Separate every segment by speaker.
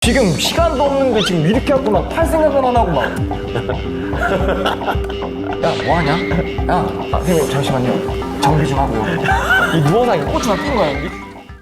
Speaker 1: 지금 시간도 없는데 지금 이렇게 하고 막 팔 생각은 안 하고 막. 야, 뭐 하냐? 야, 선생님 잠시만요. 정비 좀 하고요. 이 누워서 이거 고추만 낀 거야, 여기?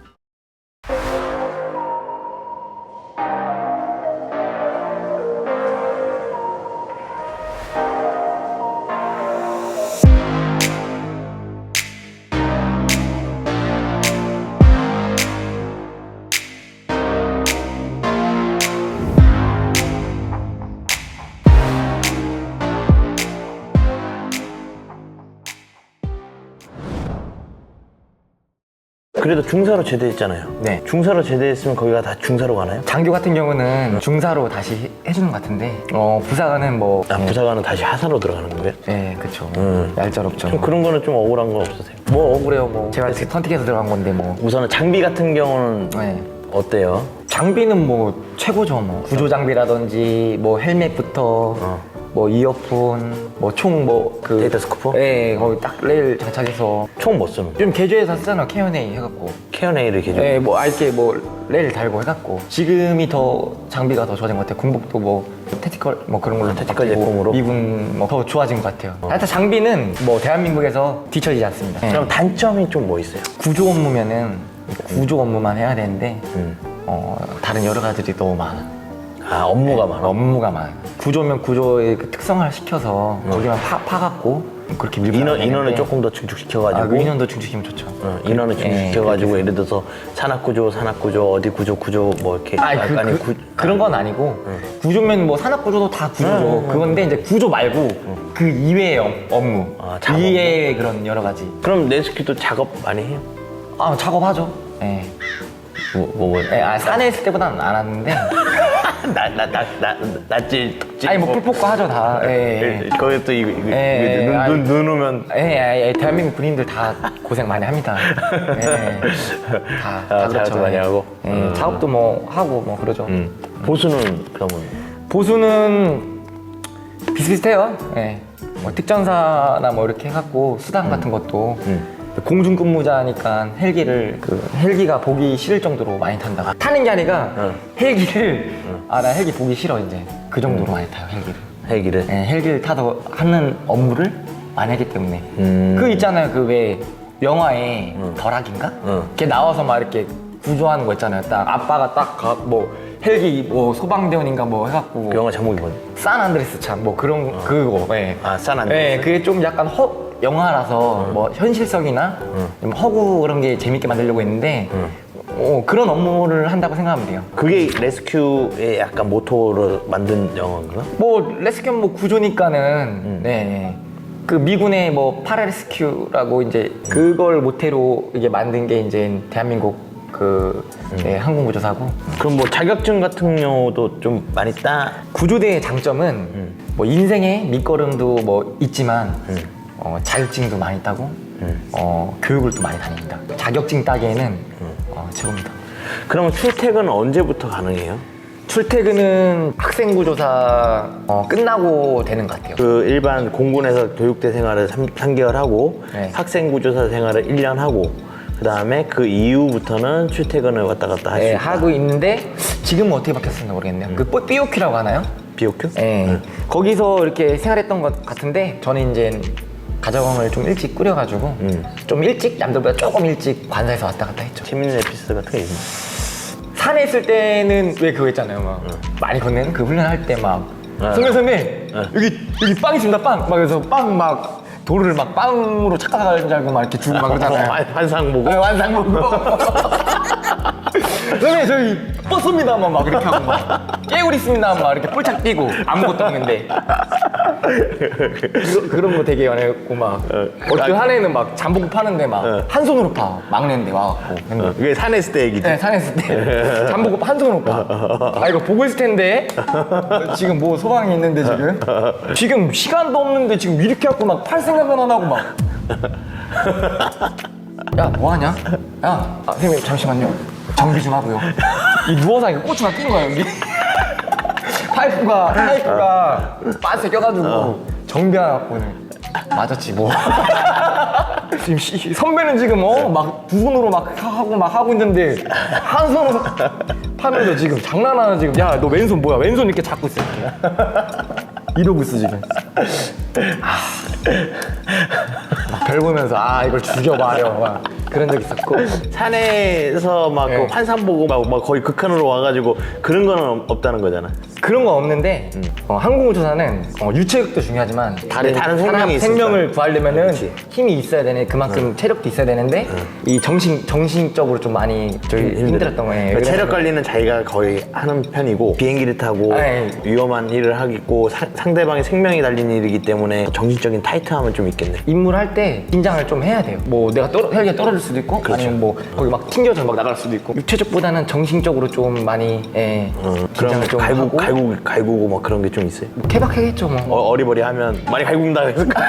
Speaker 2: 그래도 중사로 제대했잖아요.
Speaker 1: 네.
Speaker 2: 중사로 제대했으면 거기가 다 중사로 가나요?
Speaker 1: 장교 같은 경우는 중사로 다시 해주는 것 같은데, 부사관은 뭐.
Speaker 2: 부사관은 다시 하사로 들어가는 거예요?
Speaker 1: 네, 그쵸. 얄짤없죠.
Speaker 2: 좀 그런 거는 좀 억울한 건 없으세요?
Speaker 1: 뭐 억울해요, 뭐. 제가 선택해서 들어간 건데, 뭐.
Speaker 2: 우선은 장비 같은 경우는
Speaker 1: 네.
Speaker 2: 어때요?
Speaker 1: 장비는 뭐 최고죠, 뭐. 구조 장비라든지, 뭐 헬멧부터, 뭐 이어폰, 뭐 총
Speaker 2: 데이터 스코프?
Speaker 1: 네, 거기 딱 레일 장착해서.
Speaker 2: 총 뭐 쓰는 거예요?
Speaker 1: 좀 개조해서 쓰잖아, K&A 해갖고.
Speaker 2: K&A를 개조?
Speaker 1: 네, 뭐 알게 뭐 레일 달고 해갖고. 지금이 더 장비가 더 좋아진 것 같아요. 군복도 뭐 택티컬 뭐 그런 걸로
Speaker 2: 택티컬
Speaker 1: 바뀌고,
Speaker 2: 제품으로?
Speaker 1: 미군 뭐 더 좋아진 것 같아요. 하여튼 장비는 뭐 대한민국에서 뒤처지지 않습니다. 네.
Speaker 2: 그럼 단점이 좀 뭐 있어요?
Speaker 1: 구조 업무면은 구조 업무만 해야 되는데 다른 여러 가지들이 너무 많아.
Speaker 2: 아, 업무가 많아?
Speaker 1: 업무가 많아. 구조면 구조의 그 특성을 시켜서 거기만 파갖고 그렇게 밀고
Speaker 2: 인원을 조금 더 증축시켜가지고
Speaker 1: 그 인원도 증축시키면 좋죠.
Speaker 2: 인원을 증축시켜가지고 예를 들어서 산악구조, 어디 구조 뭐 이렇게 약간의
Speaker 1: 그런 건 아니고 구조면 뭐 산업구조도 다 구조죠. 그건데 이제 구조 말고 그 이외의 업무,
Speaker 2: 작업
Speaker 1: 이외의 그런 여러 가지.
Speaker 2: 그럼 레스큐도 작업 많이 해요?
Speaker 1: 작업하죠. 예.
Speaker 2: 뭐
Speaker 1: 산에 있을 때보다는 안 하는데.
Speaker 2: 낫질 덕질
Speaker 1: 아니 뭐 풀포크 하죠 다.
Speaker 2: 거기 또 눈 오면
Speaker 1: 대한민국 군인들 다 고생 많이 합니다. 다 그렇죠.
Speaker 2: 작업도 많이 하고
Speaker 1: 작업도 뭐 하고 뭐 그러죠.
Speaker 2: 보수는 그러면
Speaker 1: 보수는 비슷비슷해요. 뭐 특전사나 뭐 이렇게 해갖고 수당 같은 것도 공중근무자니까 헬기가 보기 싫을 정도로 많이 탄다. 타는 게 아니라 헬기를 나 헬기 보기 싫어 이제 그 정도로 많이 타요 헬기를. 헬기를 타서 하는 업무를 많이 하기 때문에 그 있잖아요 그 왜 영화에 덜악인가? 걔 나와서 막 이렇게 구조하는 거 있잖아요. 딱 아빠가 딱 뭐 헬기 뭐 소방대원인가 뭐 해갖고
Speaker 2: 그 영화 제목이 뭐지?
Speaker 1: 산안드레스 참 뭐 그런 그거.
Speaker 2: 산안드레스.
Speaker 1: 그게 좀 약간 영화라서 뭐 현실성이나 좀 허구 그런 게 재밌게 만들려고 했는데 그런 업무를 한다고 생각하면 돼요.
Speaker 2: 그게 레스큐의 약간 모토로 만든 영화인가?
Speaker 1: 뭐 레스큐 뭐 구조니까는 그 미군의 뭐 파라레스큐라고 이제 그걸 모태로 이게 만든 게 이제 대한민국 항공구조사고.
Speaker 2: 그럼 뭐 자격증 같은 경우도 좀 많이
Speaker 1: 구조대의 장점은 뭐 인생의 밑거름도 뭐 있지만 자격증도 많이 따고 교육을 또 많이 다닙니다. 자격증 따기에는 최고입니다.
Speaker 2: 그러면 출퇴근은 언제부터 가능해요?
Speaker 1: 출퇴근은 학생구조사 끝나고 되는 것 같아요.
Speaker 2: 그 일반 공군에서 교육대 생활을 3개월 하고 학생구조사 생활을 1년 하고 그 다음에 그 이후부터는 출퇴근을 왔다 갔다 할 수 있다.
Speaker 1: 하고 있는데 지금은 어떻게 바뀌었을지 모르겠네요. 그 BOQ라고 하나요?
Speaker 2: BOQ?
Speaker 1: 거기서 이렇게 생활했던 것 같은데 저는 이제 가정을 좀 일찍 꾸려가지고 좀 일찍 남들보다 조금 일찍 관사에서 왔다 갔다 했죠.
Speaker 2: 재밌는 에피소드 같은 게 있나요?
Speaker 1: 산에 있을 때는 왜 그거 있잖아요. 막 많이 건네는 그 훈련할 때 막 선배 여기 빵 있습니다 빵 막 그래서 빵 막 돌을 막 빵으로 착각하는 줄 알고 막 이렇게 주고 막 그러잖아요.
Speaker 2: 환상 보고?
Speaker 1: 환상 보고. 선생님 저희 버스입니다 막 이렇게 하고 막 깨울 있습니다 막 이렇게 뿔짝 뛰고 아무것도 없는데 그런 거 되게 연애했고 막 어떤 한 애는 막 잠복고 파는데 막 한 손으로 파 막내인데 와갖고
Speaker 2: 그게 산에 있을 때 얘기지?
Speaker 1: 네 산에 있을 때 잠복고 한 손으로 파 이거 보고 있을 텐데 지금 뭐 소방이 있는데 지금 시간도 없는데 지금 이렇게 갖고 막 팔 생각은 안 하고 막 야 뭐하냐? 야 선생님 잠시만요 정비 좀 하고요. 이 누워서 이거 고추가 낀 거야 여기. 파이프가 빤스에 껴가지고 정비해갖고는 맞았지 뭐. 지금 선배는 지금 막 두 손으로 막 하고 있는데 한 손으로 파면서 지금 장난하나 지금. 야, 너 왼손 뭐야? 왼손 이렇게 잡고 있어 이렇게. 이러고 있어 지금. 별 보면서 이걸 죽여봐려 막 그런 적 있었고.
Speaker 2: 산에서 막
Speaker 1: 네.
Speaker 2: 그 환산 보고 막 거의 극한으로 와가지고 그런 거는 없다는 거잖아.
Speaker 1: 그런 거 없는데 항공우주사는 유체력도 중요하지만
Speaker 2: 다른 생명이
Speaker 1: 생명을 구하려면은
Speaker 2: 그렇지.
Speaker 1: 힘이 있어야 되네. 그만큼 체력도 있어야 되는데 이 정신적으로 좀 많이 힘들었던 거예요.
Speaker 2: 그러니까 체력 관리는 자기가 거의 하는 편이고 비행기를 타고
Speaker 1: 네.
Speaker 2: 위험한 일을 하겠고 상대방의 생명이 달린 일이기 때문에 정신적인 타이트함은 좀 있겠네.
Speaker 1: 임무를 할 때 긴장을 좀 해야 돼요. 뭐 내가 헬기가 떨어질 수도 있고 아니면 뭐 거기 막 튕겨져 막 나갈 수도 있고 육체적보다는 정신적으로 좀 많이 긴장을 좀 하고
Speaker 2: 갈구고 막 그런 게 좀 있어요.
Speaker 1: 뭐 케바케겠죠 뭐.
Speaker 2: 어리버리하면 많이 갈굽니다.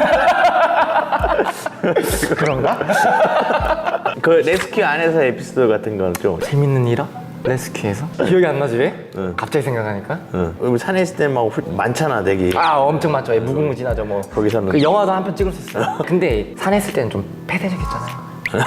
Speaker 1: 그런가?
Speaker 2: 그 레스큐 안에서 에피소드 같은 건 좀
Speaker 1: 재밌는 일화? 레스큐에서? 기억이 안 나지 왜? 갑자기 생각하니까.
Speaker 2: 우리 산에 있을 때 막 많잖아 되게.
Speaker 1: 엄청 많죠. 무궁무진하죠 뭐.
Speaker 2: 거기서는
Speaker 1: 그 영화도 한 편 찍을 수 있어요. 근데 산에 있을 때는 좀 폐쇄적이었잖아요.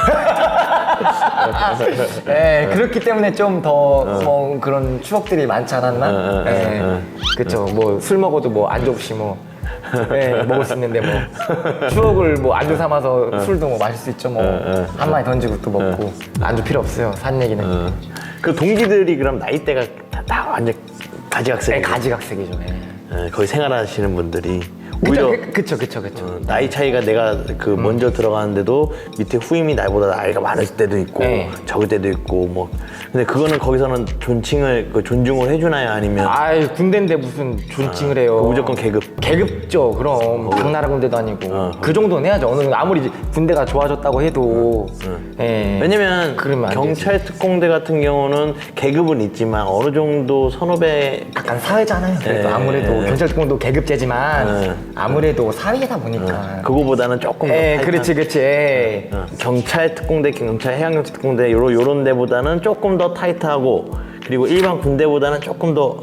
Speaker 1: 네, 그렇기 때문에 좀 더 뭐 그런 추억들이 많지 않았나? 그쵸. 뭐 술 먹어도 뭐 안주 없이 뭐 먹을 수 있는데 뭐 추억을 뭐 안주 삼아서 술도 뭐 마실 수 있죠. 뭐 한 마리 던지고 또 먹고 안주 필요 없어요. 산 얘기는.
Speaker 2: 그 동기들이 그럼 나이대가 다 완전 가지각색.
Speaker 1: 가지각색이죠.
Speaker 2: 거기 생활하시는 분들이 오히려
Speaker 1: 그쵸.
Speaker 2: 나이 차이가 내가 그 먼저 들어가는데도 밑에 후임이 나이보다 나이가 많을 때도 있고 적을 때도 있고 뭐. 근데 그거는 거기서는 존중을 해주나요? 아니면
Speaker 1: 군대인데 무슨 존칭을 해요.
Speaker 2: 무조건 계급.
Speaker 1: 계급죠. 그럼 당나라 군대도 아니고 그 정도는 해야죠. 어느 정도 아무리 군대가 좋아졌다고 해도.
Speaker 2: 왜냐면
Speaker 1: 그러면 안
Speaker 2: 경찰 특공대 같은 경우는 계급은 있지만 어느 정도 선후배
Speaker 1: 약간 사회잖아요. 그래도 아무래도 경찰특공도 계급제지만 아무래도 사회다 보니까.
Speaker 2: 그거보다는 조금 더 타이트한.
Speaker 1: 그렇지.
Speaker 2: 경찰 특공대, 경찰 해양경찰 특공대 요런 데보다는 조금 더 타이트하고 그리고 일반 군대보다는 조금 더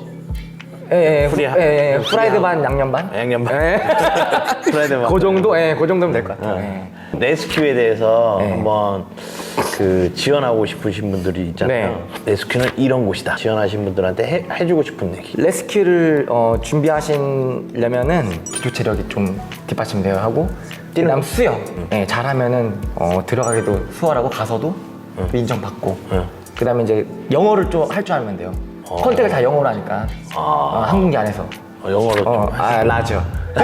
Speaker 1: 프라이드 반 양념 반.
Speaker 2: 프라이드 반.
Speaker 1: 그 정도, 그 정도면 될 것 같아요.
Speaker 2: 레스큐에 대해서 한번 그 지원하고 싶으신 분들이 있잖아요. 레스큐는 이런 곳이다. 지원하신 분들한테 해주고 싶은 얘기.
Speaker 1: 레스큐를 준비하시려면은 기초 체력이 좀 뒷받침되어야 하고 그다음 수영 잘하면은 들어가기도 수월하고 가서도 또 인정받고 그다음에 이제 영어를 좀 할 줄 알면 돼요. 컨택을 다 영어로 하니까 항공기 안에서
Speaker 2: 영어로 좀
Speaker 1: 라저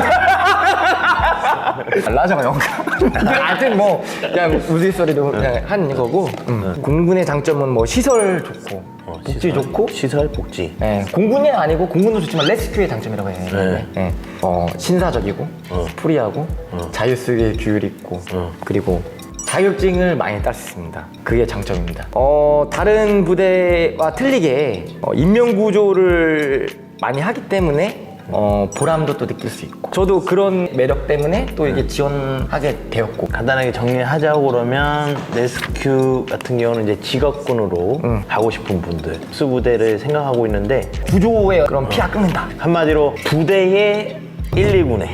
Speaker 1: 라저가 영어가 하여튼 뭐 그냥 우스갯소리로 그냥 한 거고 공군의 장점은 뭐 시설 좋고 복지 좋고
Speaker 2: 시설 복지.
Speaker 1: 공군이 아니고 공군도 좋지만 레스큐의 장점이라고 해요. 신사적이고 프리하고 자유수의 규율 있고 그리고 자격증을 많이 딸 수 있습니다. 그게 장점입니다. 다른 부대와 틀리게 인명구조를 많이 하기 때문에 보람도 또 느낄 수 있고 저도 그런 매력 때문에 또 이게 지원하게 되었고.
Speaker 2: 간단하게 정리하자고 그러면 레스큐 같은 경우는 이제 직업군으로 가고 싶은 분들 수부대를 생각하고 있는데
Speaker 1: 구조의 그런 피가 끓는다.
Speaker 2: 한마디로 부대의 119네.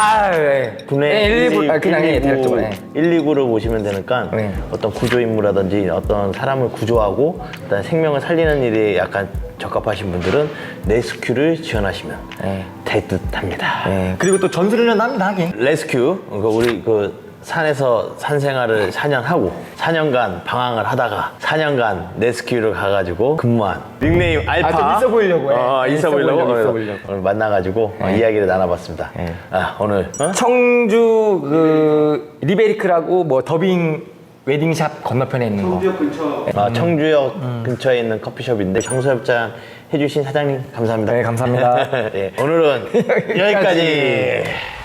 Speaker 1: 분해 119 그냥 대략적으로
Speaker 2: 119를 보시면 되니까 어떤 구조 임무라든지 어떤 사람을 구조하고 그다음에 생명을 살리는 일에 약간 적합하신 분들은 레스큐를 지원하시면 될 듯합니다.
Speaker 1: 그리고 또 전술훈련도 합니다. 하긴
Speaker 2: 레스큐 우리 그 산에서 산생활을 4년 하고 4년간 방황을 하다가 4년간 레스큐를 가가지고 근무한 닉네임 알파.
Speaker 1: 좀 있어 보이려고
Speaker 2: 있어 보이려고
Speaker 1: 오늘
Speaker 2: 만나가지고 이야기를 나눠봤습니다. 오늘
Speaker 1: 청주 그 리베리크라고 뭐 더빙 웨딩샵 건너편에 있는 거.
Speaker 3: 청주역 근처.
Speaker 2: 청주역 근처에 있는 커피숍인데 장소협장 해주신 사장님 감사합니다.
Speaker 1: 감사합니다.
Speaker 2: 오늘은 여기까지.